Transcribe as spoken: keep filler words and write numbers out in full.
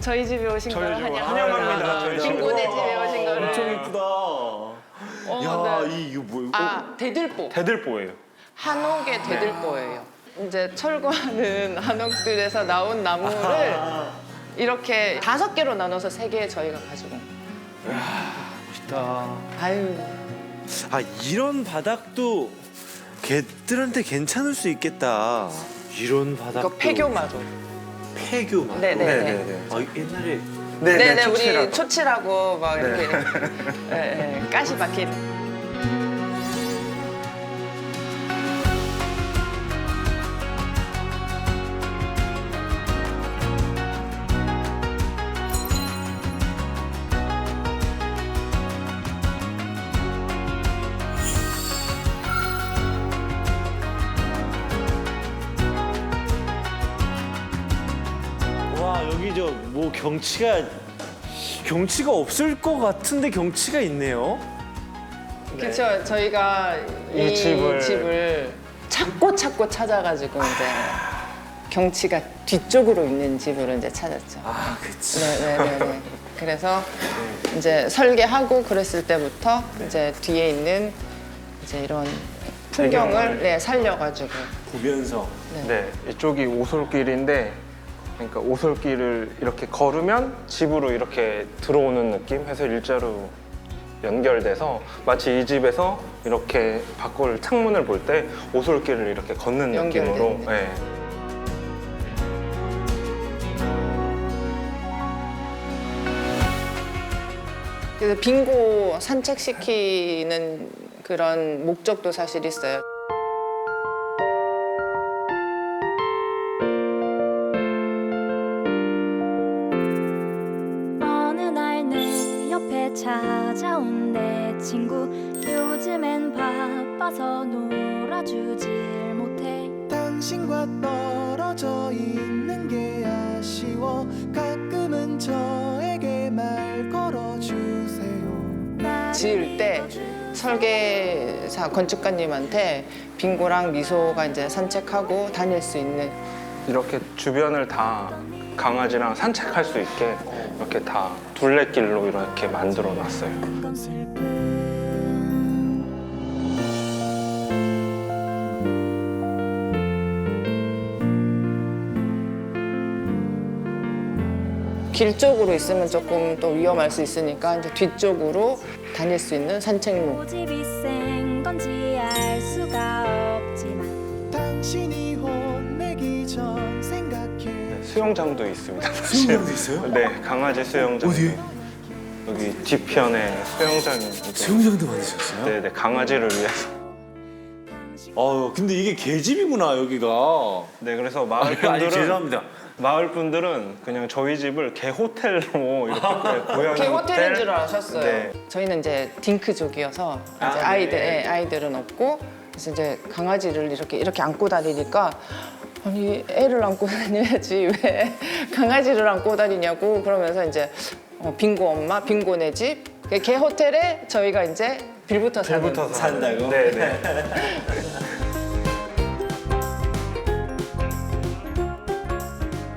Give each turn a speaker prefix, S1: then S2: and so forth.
S1: 저희 집에 오신
S2: 저희
S1: 걸
S2: 집
S1: 환영합니다.
S2: 환영합니다. 저희 집에.
S1: 빙고네 집에 오신 거를.
S3: 엄청 이쁘다.
S1: 어,
S3: 야,
S1: 네.
S3: 이 이거 뭐야?
S1: 아, 대들보.
S2: 대들보예요.
S1: 한옥의 대들보예요. 이제 철거하는 한옥들에서 나온 나무를 이렇게 다섯 개로 나눠서 세 개 저희가 가지고.
S3: 멋있다.
S1: 아유.
S3: 아, 이런 바닥도 개들한테 괜찮을 수 있겠다. 이런 바닥도.
S1: 이거 폐교마루.
S3: 폐교마루.
S1: 네네네.
S3: 아, 옛날에
S1: 네네,
S2: 초치라고.
S1: 우리 초치라고 막 이렇게
S2: 네.
S1: 네, 네, 가시 박힌.
S3: 와, 여기 저 뭐 경치가 경치가 없을 것 같은데 경치가 있네요.
S1: 그렇죠. 저희가 이,
S2: 이 집을-
S1: 집을 찾고 찾고 찾아가지고 이제 경치가 뒤쪽으로 있는 집으로 이제 찾았죠.
S3: 아, 그치.
S1: 네네네. 그래서 이제 설계하고 그랬을 때부터 이제 뒤에 있는 이제 이런 풍경을
S2: 배경을.
S1: 네, 살려가지고.
S3: 보면서.
S2: 네, 이쪽이 오솔길인데 그러니까 오솔길을 이렇게 걸으면 집으로 이렇게 들어오는 느낌 해서 일자로 연결돼서 마치 이 집에서 이렇게 밖을 창문을 볼 때 오솔길을 이렇게 걷는
S1: 연결되는
S2: 느낌으로
S1: 느낌.
S2: 네.
S1: 그래서 빙고 산책시키는 그런 목적도 사실 있어요.
S4: 어느 날 내 옆에 찾아온 내 친구 요즘엔 바빠서 놀아주질 못해
S5: 당신과 떨어져 있는 게 아쉬워 가끔은 저에게 말 걸어주세요.
S1: 지을 때 설계사 건축가님한테 빙고랑 미소가 이제 산책하고 다닐 수 있는
S2: 이렇게 주변을 다 강아지랑 산책할 수 있게 이렇게 다 둘레길로 이렇게 만들어 놨어요.
S4: 건 슬픔
S1: 길 쪽으로 있으면 조금 또 위험할 수 있으니까 이제 뒤쪽으로 다닐 수 있는 산책로.
S4: 고집이 센 건지 알 수가 없지만
S5: 당신이 혼내기 전 생각해
S2: 수영장도 있습니다.
S3: 수영장도 있어요?
S2: 네, 강아지 수영장.
S3: 어디에?
S2: 여기 뒤편에 수영장이 있고.
S3: 수영장도 만드셨어요?
S2: 네, 네, 강아지를 위해서.
S3: 아, 근데 이게 개집이구나, 여기가.
S2: 네, 그래서 마을
S3: 아니,
S2: 분들은
S3: 죄송합니다.
S2: 마을 분들은 그냥 저희 집을 개 호텔로 이렇게 네, 고양이
S1: 개 호텔인 줄 아셨어요.
S2: 네.
S1: 저희는 이제 딩크족이어서 이제
S2: 아, 네.
S1: 아이들 예, 아이들은 없고 그래서 이제 강아지를 이렇게 이렇게 안고 다니니까 아니 애를 안고 다녀야지 왜 강아지를 안고 다니냐고 그러면서 이제 어, 빙고 엄마 빙고네 집 개 호텔에 저희가 이제 빌부터 사는
S2: 빌부터
S3: 산다고?
S2: 네, 네.